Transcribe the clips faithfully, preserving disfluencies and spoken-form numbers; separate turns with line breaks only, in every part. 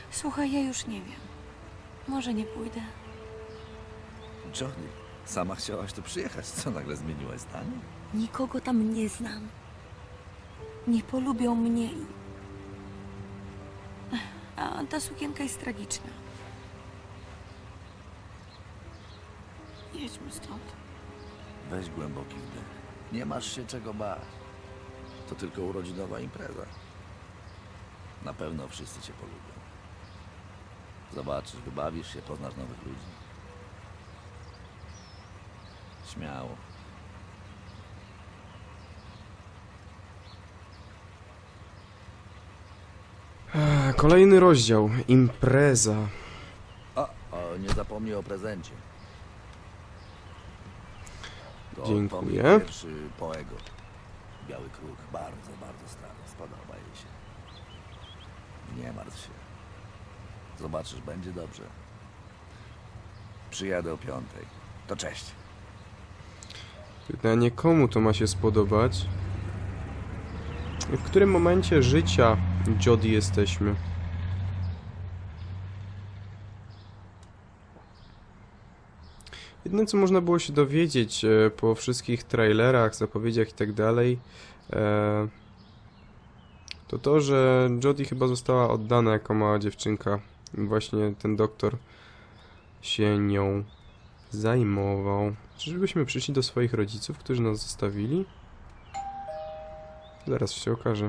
Słuchaj, ja już nie wiem. Może nie pójdę.
Jody, sama chciałaś tu przyjechać. Co nagle zmieniłaś zdanie?
Nikogo tam nie znam. Nie polubią mnie i... A ta sukienka jest tragiczna. Jedźmy stąd.
Weź głęboki wdech. Nie masz się czego bać. To tylko urodzinowa impreza. Na pewno wszyscy cię polubią. Zobaczysz, wybawisz się, poznasz nowych ludzi. Śmiało.
Kolejny rozdział. Impreza.
O, o, nie zapomnij o prezencie. To
Dziękuję.
Tommy pierwszy Poego. Biały kruk, bardzo, bardzo stary. Spodoba jej się. Nie martw się. Zobaczysz, będzie dobrze. Przyjadę o piątej. To cześć.
Pytanie, komu to ma się spodobać? W którym momencie życia Jody jesteśmy? Jedyne, co można było się dowiedzieć e, po wszystkich trailerach, zapowiedziach i tak dalej, e, to to, że Jody chyba została oddana jako mała dziewczynka. I właśnie ten doktor się nią zajmował. Czyżbyśmy przyszli do swoich rodziców, którzy nas zostawili? Zaraz się okaże.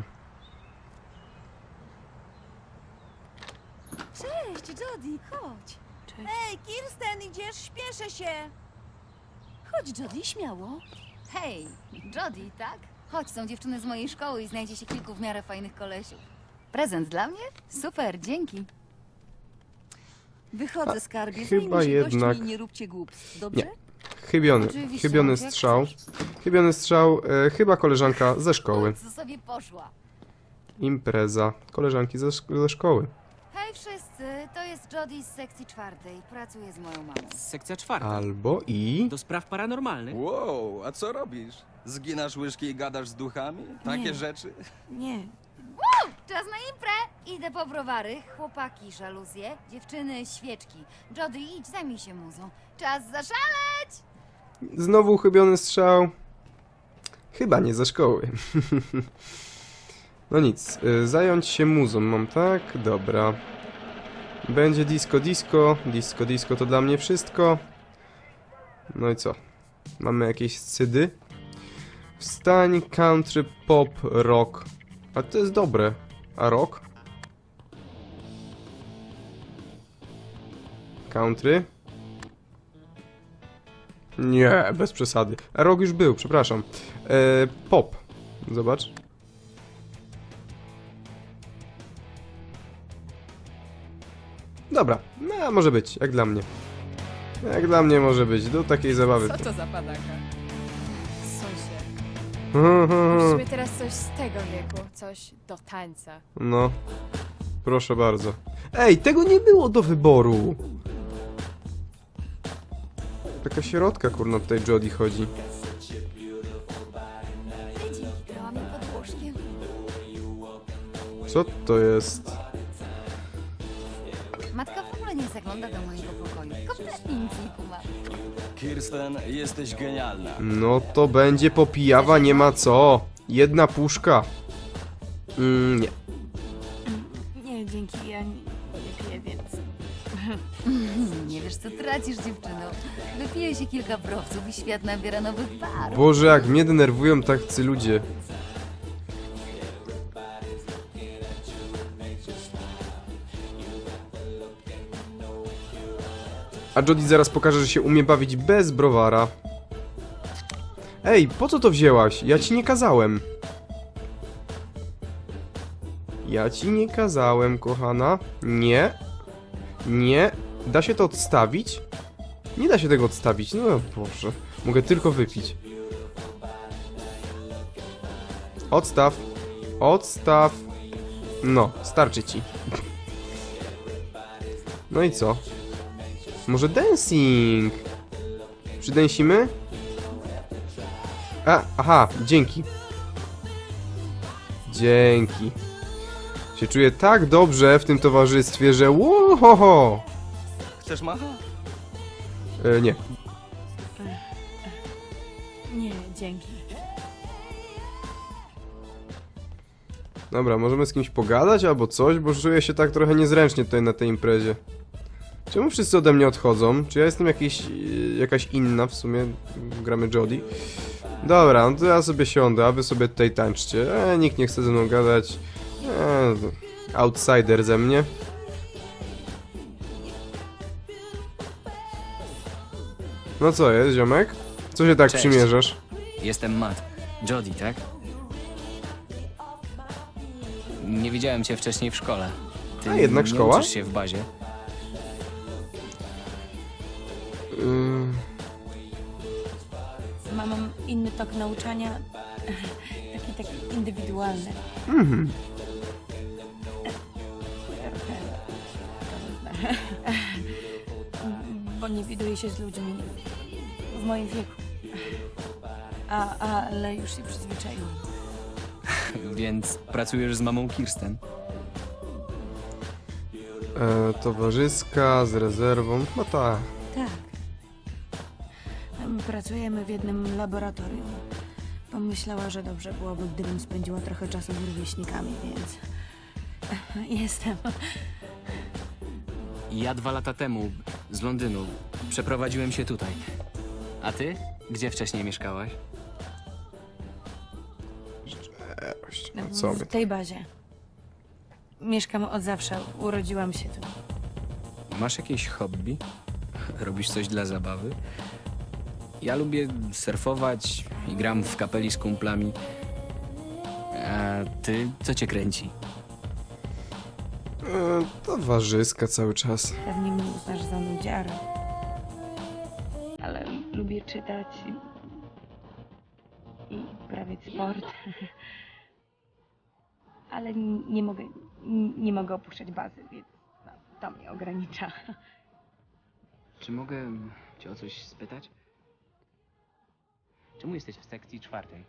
Cześć, Jody, chodź.
Cześć.
Hej, Kirsten, idziesz? Śpieszę się. Chodź, Jody, śmiało.
Hej, Jody, tak? Chodź, są dziewczyny z mojej szkoły i znajdzie się kilku w miarę fajnych kolesiów. Prezent dla mnie? Super, dzięki.
Wychodzę, skarbie.
chyba
Zajmij się
jednak-
gośćmi i nie róbcie głupstw, dobrze?
Nie. Chybiony,
Oczywiście,
chybiony
jak
strzał.
chcesz.
Chybiony strzał, e, chyba koleżanka ze szkoły.
Co sobie poszła?
Impreza. Koleżanki ze, szk- ze szkoły.
Hej wszyscy, to jest Jody z sekcji czwartej. Pracuję z moją mamą.
Sekcja czwarta.
Albo i...
Do spraw paranormalnych.
Wow, a co robisz? Zginasz łyżki i gadasz z duchami? Takie
Nie.
rzeczy?
Nie.
Czas na imprę! Idę po browary, chłopaki żaluzje, dziewczyny świeczki. Jody, idź, zajmij się muzą. Czas zaszaleć!
Znowu chybiony strzał. Chyba nie ze szkoły. No nic, y, zająć się muzą mam, tak? Dobra. Będzie disco, disco. Disco, disco to dla mnie wszystko. No i co? Mamy jakieś scydy? Wstań, country, pop, rock. A to jest dobre. A rock? Country? Nie, bez przesady. A rock już był, przepraszam. E, pop. Zobacz. Dobra, no może być, jak dla mnie. Jak dla mnie może być, do takiej zabawy.
Co to za padaka? Sąsie. Musimy teraz coś z tego wieku, coś do tańca.
No, proszę bardzo. Ej, tego nie było do wyboru. Taka środka, kurna, tutaj Jody chodzi.
Dzięki, grałam je pod łóżkiem.
Co to jest?
Matka w ogóle nie zagląda do mojego pokoju. Kompletnie nic nie kuma.
Kirsten, jesteś genialna.
No to będzie popijawa, nie ma co. Jedna puszka. Mm, nie.
Nie, dzięki. Ja nie, nie piję, więc...
Nie wiesz, co tracisz, dziewczyno. Wypije się kilka browców i świat nabiera nowych barw.
Boże, jak mnie denerwują tacy ludzie. A Jody zaraz pokaże, że się umie bawić bez browara. Ej, po co to wzięłaś? Ja ci nie kazałem. Ja ci nie kazałem, kochana. Nie. Nie. Da się to odstawić? Nie da się tego odstawić. No Boże. Mogę tylko wypić. Odstaw. Odstaw. No, starczy ci. No i co? Może dancing? Przydęsimy? A, aha, dzięki. Dzięki. Się czuję tak dobrze w tym towarzystwie, że łohoho!
Chcesz macha?
E, nie.
Nie, dzięki.
Dobra, możemy z kimś pogadać albo coś, bo czuję się tak trochę niezręcznie tutaj na tej imprezie. Czemu wszyscy ode mnie odchodzą? Czy ja jestem jakiś, jakaś inna w sumie? Gramy Jodie. Dobra, no to ja sobie siądę, a wy sobie tutaj tańczcie. E, nikt nie chce ze mną gadać. E, outsider ze mnie. No co jest, ziomek? Co się tak
Cześć.
przymierzasz?
Jestem Matt. Jodie, tak? Nie widziałem cię wcześniej w szkole. Ty
A jednak
nie
szkoła?
uczysz się w bazie.
Yy,
Mam inny tok nauczania. Taki, taki indywidualny.
mhm.
Trochę trudne. Bo nie widuję się z ludźmi w moim wieku. A, ale już się przyzwyczaiłam.
Więc pracujesz z mamą Kirsten.
E, towarzyska z rezerwą. No tak.
Tak. Pracujemy w jednym laboratorium. Pomyślała, że dobrze byłoby, gdybym spędziła trochę czasu z rówieśnikami, więc jestem.
Ja dwa lata temu z Londynu przeprowadziłem się tutaj. A ty? Gdzie wcześniej mieszkałaś?
A co my?
W tej bazie. Mieszkam od zawsze. Urodziłam się tu.
Masz jakieś hobby? Robisz coś dla zabawy? Ja lubię surfować i gram w kapeli z kumplami. A ty, co cię kręci?
E, towarzyska cały czas.
Pewnie mnie uznasz za nudziarę. Ale lubię czytać i, i uprawiać sport. Ale n- nie mogę, n- nie mogę opuszczać bazy, więc no, to mnie ogranicza.
Czy mogę cię o coś spytać? Czemu jesteś w sekcji czwartej?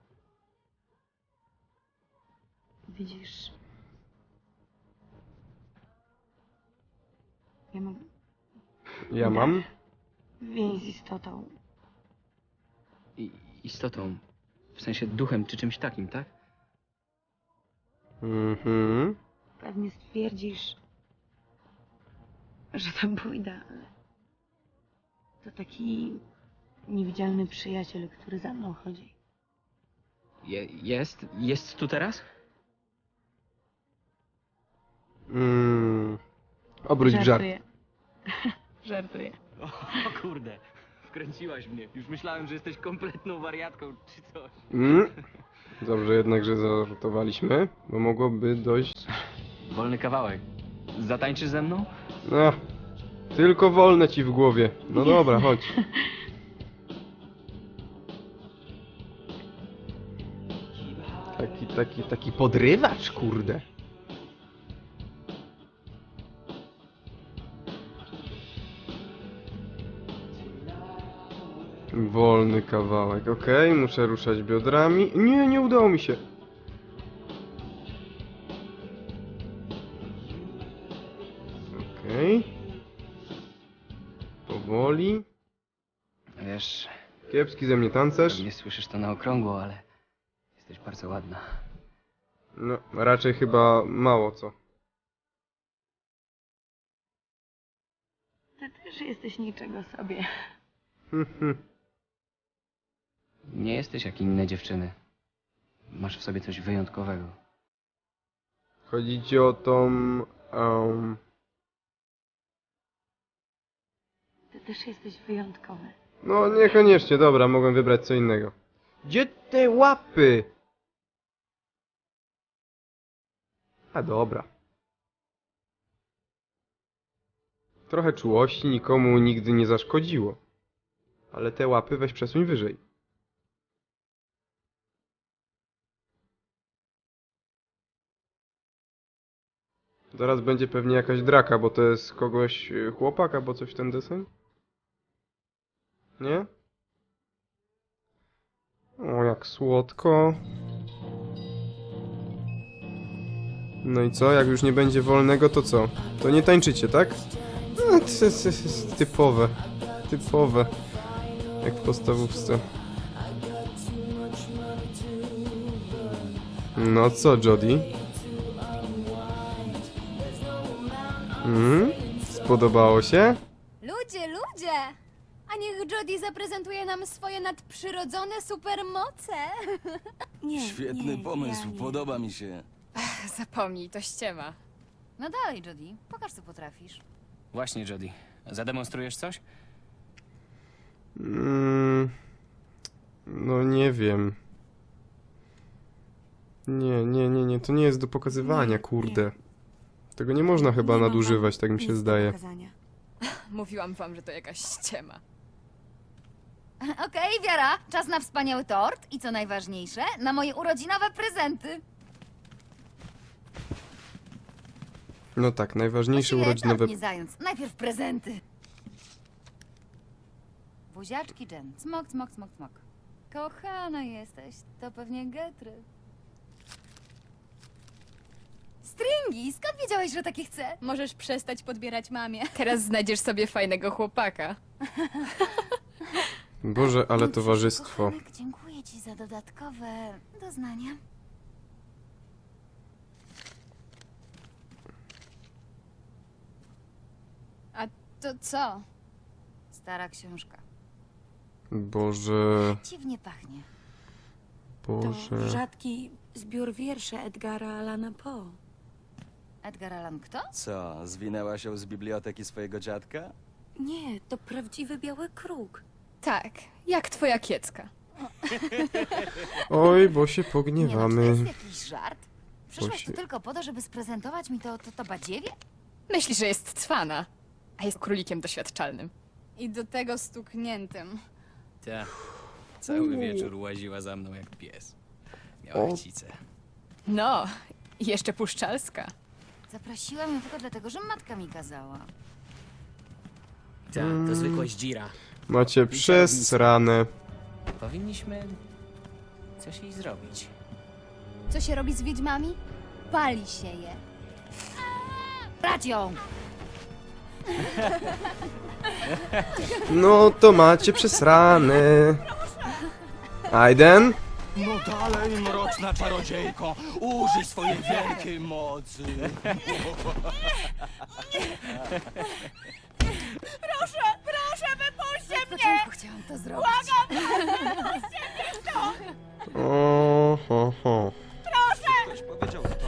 Widzisz, ja mam
Ja mam?
więź z istotą.
I, istotą, w sensie duchem czy czymś takim, tak?
Mhm.
Pewnie stwierdzisz, że to bójda, ale to taki niewidzialny przyjaciel, który za mną chodzi.
Je, jest? Jest tu teraz?
Mm. Obróć w żart.
Żartuję. Żartuję.
O kurde, wkręciłaś mnie. Już myślałem, że jesteś kompletną wariatką czy coś.
Mm. Dobrze jednak, że zażartowaliśmy, bo mogłoby dojść...
Wolny kawałek. Zatańczysz ze mną?
No, tylko wolne ci w głowie. No dobra, chodź. Taki, taki, taki podrywacz, kurde. Wolny kawałek, okej, muszę ruszać biodrami. Nie, nie udało mi się. Okej. Powoli.
Wiesz,
Kiepski ze mnie tancerz.
nie słyszysz to na okrągło, ale jesteś bardzo ładna.
No, raczej chyba mało co.
Ty też jesteś niczego sobie.
Nie jesteś jak inne dziewczyny. Masz w sobie coś wyjątkowego.
Chodzi ci o tą... Um,
Ty też jesteś wyjątkowy.
no niekoniecznie, dobra, mogłem wybrać co innego. Gdzie te łapy? A dobra. Trochę czułości nikomu nigdy nie zaszkodziło. Ale te łapy weź przesuń wyżej. Zaraz będzie pewnie jakaś draka, bo to jest kogoś y, chłopak albo coś w ten deseń? Nie? O, jak słodko. No i co? Jak już nie będzie wolnego, to co? To nie tańczycie, tak? No, ty- ty- ty- Typowe. Typowe. Jak w podstawówce. No co, Jody? Mhm? Spodobało się?
Ludzie, ludzie! A niech Jody zaprezentuje nam swoje nadprzyrodzone supermoce.
Nie,
Świetny
nie,
pomysł,
ja nie.
podoba mi się.
Zapomnij, to ściema.
No dalej, Jody, pokaż co potrafisz.
Właśnie, Jody. Zademonstrujesz coś?
Mm, no nie wiem. Nie, nie, nie, nie, to nie jest do pokazywania,
Nie,
kurde. Tego nie można chyba
Nie mam
nadużywać,
wam
tak mi się
nic do
zdaje.
pokazania.
Mówiłam wam, że to jakaś ściema.
Okej, Wiara, czas na wspaniały tort i co najważniejsze, na moje urodzinowe prezenty.
No tak, najważniejsze
Właściwie
urodzinowe...
tort nie zając, najpierw prezenty. Buziaczki, Jen. Smok, smok, smok, smok. Kochana jesteś, to pewnie getry. Stringi, skąd wiedziałeś, że takie chcę?
Możesz przestać podbierać mamie.
Teraz znajdziesz sobie fajnego chłopaka.
Boże, ale
No,
towarzystwo.
kochanek, dziękuję ci za dodatkowe doznania.
A to co?
Stara książka.
Boże,
Dziwnie pachnie.
To
Boże.
rzadki zbiór wierszy Edgara Allana Poe.
Edgar Allan kto?
Co, zwinęła się z biblioteki swojego dziadka?
Nie, to prawdziwy biały kruk.
Tak, jak twoja kiecka.
Oj, bo się
Nie no, czy to
pogniewamy.
jest jakiś żart? Przyszłaś
Bosie.
tu tylko po to, żeby sprezentować mi to, to, to badziewie?
Myśli, że jest cwana, a jest królikiem doświadczalnym.
I do tego stukniętym.
Tak. Cały wieczór łaziła za mną jak pies. Miała
O.
chcicę.
No, i jeszcze puszczalska.
Zaprosiłam ją tylko dlatego, że matka mi kazała.
Tak, to zwykła zdzira.
Macie przesrane.
Powinniśmy coś jej zrobić.
Co się robi z wiedźmami? Pali się je.
Brać ją!
No to macie przesrane. Aiden?
No dalej, mroczna czarodziejko, użyj swojej wielkiej mocy.
Od początku chciałam to zrobić.
O, ho, ho.
Ktoś powiedział to.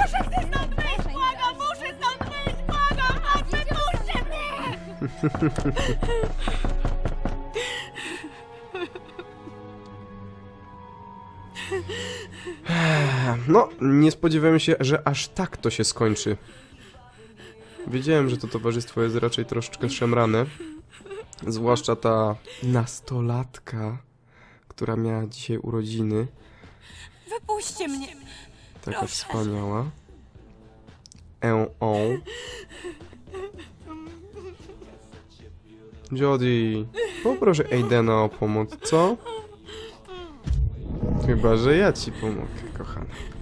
No, nie spodziewałem się, że aż tak to się skończy. Wiedziałem, że to towarzystwo jest raczej troszeczkę szemrane. Zwłaszcza ta nastolatka, która miała dzisiaj urodziny.
Wypuśćcie mnie!
Taka wspaniała. E o. Jody, poproszę Aidena o pomoc, co? Chyba, że ja ci pomogę, kochana.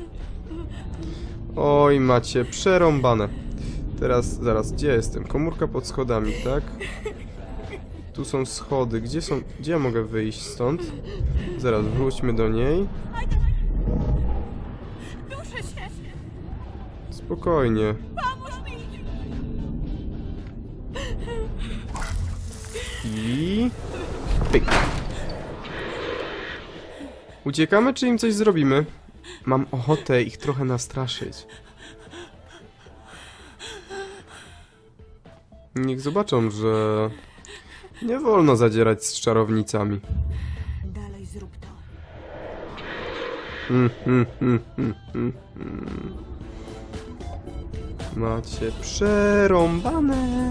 Oj, macie przerąbane. Teraz, zaraz, gdzie jestem? Komórka pod schodami, tak? Tu są schody. Gdzie są... Gdzie ja mogę wyjść stąd? Zaraz, wróćmy do niej. Spokojnie. I... Pyk. Uciekamy, czy im coś zrobimy? Mam ochotę ich trochę nastraszyć. Niech zobaczą, że... nie wolno zadzierać z czarownicami.
Dalej zrób to.
Mm, mm, mm, mm, mm, mm. Macie przerąbane.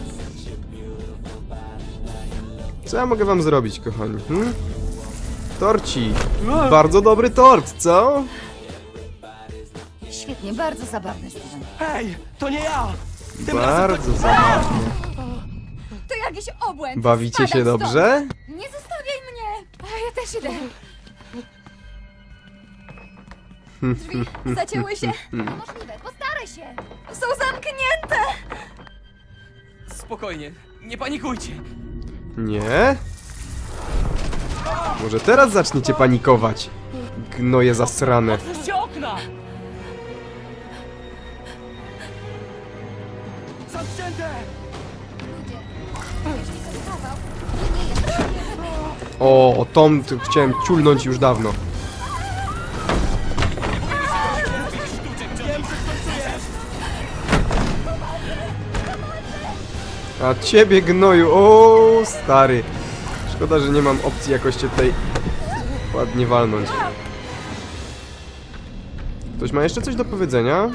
Co ja mogę wam zrobić, kochani? Hmm? Torci. Bardzo dobry tort, co?
Świetnie, bardzo zabawny, Steven.
Hej, to nie ja!
Bardzo zabawnie.
To jakiś obłęd!
Bawicie się
Spadam stąd.
dobrze?
Nie zostawiaj mnie!
A ja też idę.
Drzwi zacięły się.
Możliwe, postaraj się.
Są zamknięte.
Spokojnie, nie panikujcie.
Nie? Może teraz zaczniecie panikować? Gnoje zasrane.
Otwórzcie okna! Zamknięte!
Ludzie, jeśli ten kawał nie jest prawdziwy,
O, o Tom t- chciałem ciulnąć już dawno. A ciebie gnoju, o stary. Szkoda, że nie mam opcji jakoś cię tutaj ładnie walnąć. Ktoś ma jeszcze coś do powiedzenia?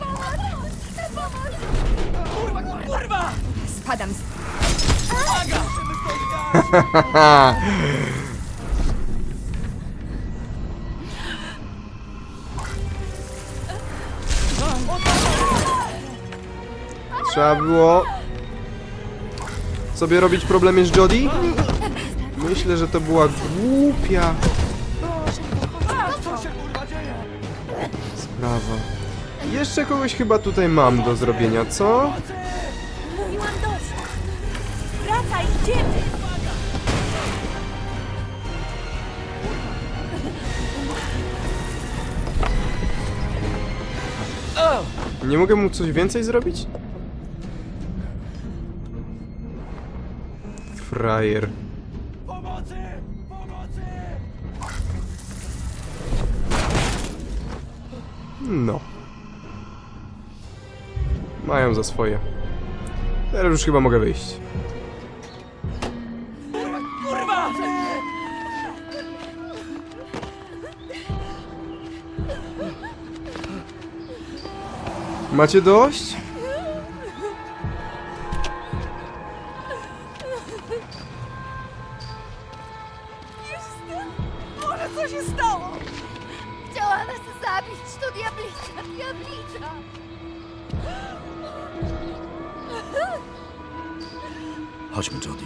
Kurwa!
Spadam z...
Haha. Trzeba było sobie robić problemy z Jodie? Myślę, że to była głupia
Co się kurwa dzieje?
sprawa. Jeszcze kogoś chyba tutaj mam do zrobienia, co?
Mówiłam dość. Wracaj, idziemy.
Nie mogę mu coś więcej zrobić? Frajer.
Pomocy! Pomocy!
No. Mają za swoje. Teraz już chyba mogę wyjść.
Kurwa!
Macie dość?
Boże, co się stało?
chciała nas zabić. To diablica, diablica.
Chodźmy, Jodie.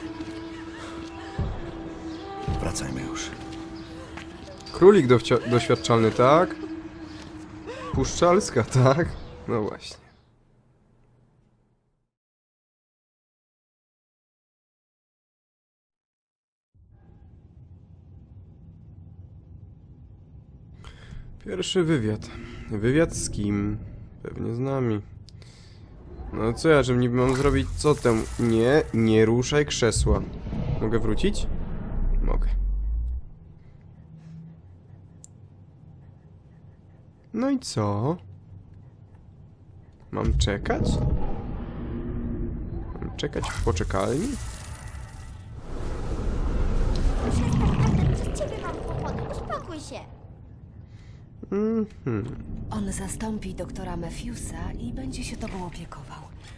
Wracajmy już.
Królik dowcia- doświadczalny, tak? Puszczalska, tak? No właśnie. Pierwszy wywiad. Wywiad z kim? Pewnie z nami. No co ja, że niby mam zrobić? Co tam? Nie, nie ruszaj krzesła. Mogę wrócić? Mogę. No i co? Mam czekać? Mam czekać w poczekalni?
Przez ciebie mam kłopoty, uspokój się.
Mhm.
On zastąpi doktora Matthewsa i będzie się tobą opiekował.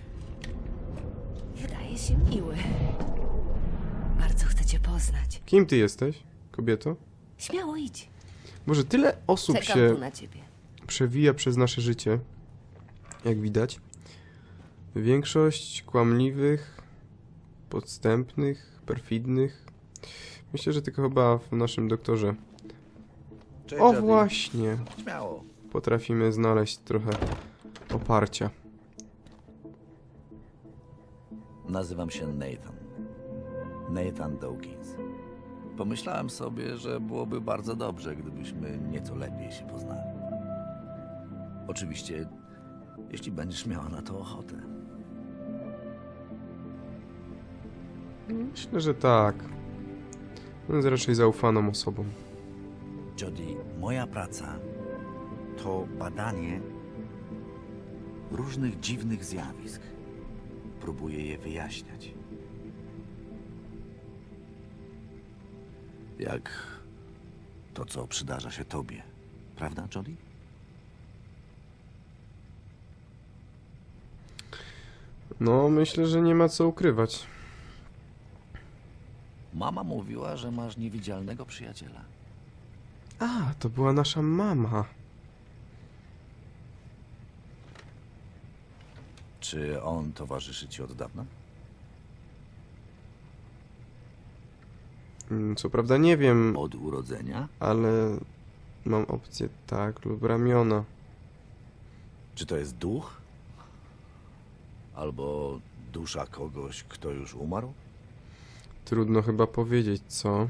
Wydaje się miły. Bardzo chcę cię poznać.
Kim ty jesteś, kobieto?
Śmiało idź.
Może tyle osób
Czekam
się
tu na ciebie.
przewija przez nasze życie, jak widać. Większość kłamliwych, podstępnych, perfidnych. Myślę, że tylko chyba w naszym doktorze.
Cześć,
O
Jodie.
właśnie,
Śmiało.
potrafimy znaleźć trochę oparcia.
Nazywam się Nathan. Nathan Dawkins. Pomyślałem sobie, że byłoby bardzo dobrze, gdybyśmy nieco lepiej się poznali. Oczywiście, jeśli będziesz miała na to ochotę.
Myślę, że tak. On jest raczej zaufaną osobą.
Jodie, moja praca to badanie różnych dziwnych zjawisk. Próbuję je wyjaśniać. Jak to, co przydarza się tobie. Prawda, Jodie?
No, myślę, że nie ma co ukrywać.
Mama mówiła, że masz niewidzialnego przyjaciela.
A, to była nasza mama.
Czy on towarzyszy ci od dawna?
Mm, Co prawda nie wiem,
Od urodzenia?
ale mam opcję tak lub ramiona.
Czy to jest duch? Albo dusza kogoś, kto już umarł?
Trudno chyba powiedzieć, co?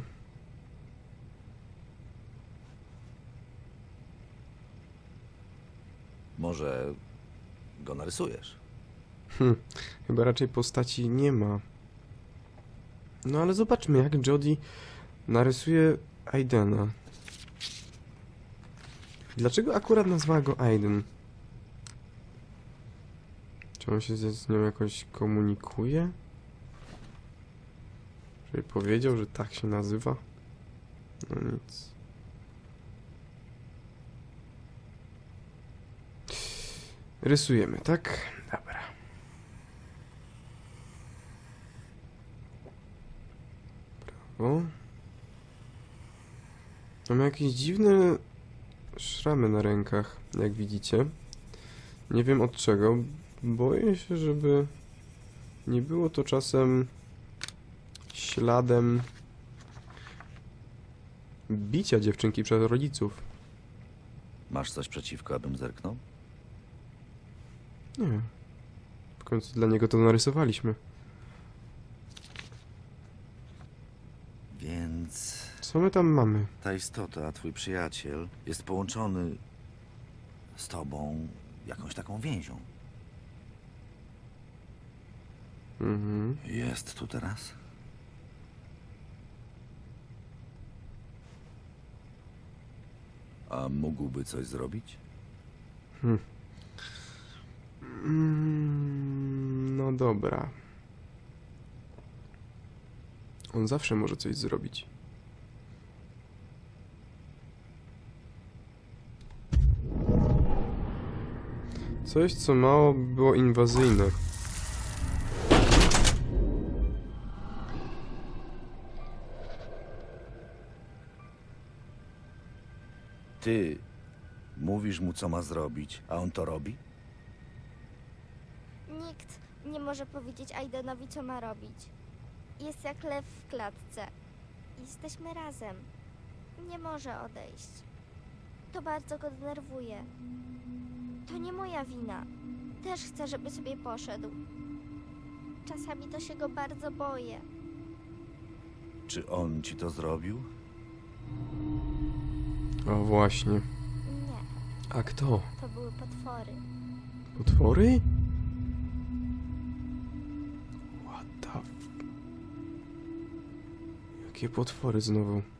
Może go narysujesz?
Hm, chyba raczej postaci nie ma. No ale zobaczmy, jak Jodie narysuje Aidena. Dlaczego akurat nazwała go Aiden? Czy on się z nią jakoś komunikuje? Czy powiedział, że tak się nazywa? No nic. Rysujemy, tak? Dobra. Brawo. Mam jakieś dziwne szramy na rękach, jak widzicie. Nie wiem od czego. Boję się, żeby nie było to czasem śladem bicia dziewczynki przez rodziców.
Masz coś przeciwko, abym zerknął?
Nie. W końcu dla niego to narysowaliśmy.
Więc
Co my tam mamy?
ta istota, twój przyjaciel, jest połączony z tobą jakąś taką więzią.
Mhm.
Jest tu teraz? A mógłby coś zrobić?
Hm. Mm, no dobra. On zawsze może coś zrobić. Coś, co mało było inwazyjne.
Ty mówisz mu, co ma zrobić, a on to robi?
Nikt nie może powiedzieć Aidenowi, co ma robić. Jest jak lew w klatce. Jesteśmy razem. Nie może odejść. To bardzo go denerwuje. To nie moja wina. Też chcę, żeby sobie poszedł. Czasami to się go bardzo boję.
Czy on ci to zrobił?
O właśnie.
Nie,
A kto?
to były potwory.
Potwory? What the f... Jakie potwory znowu?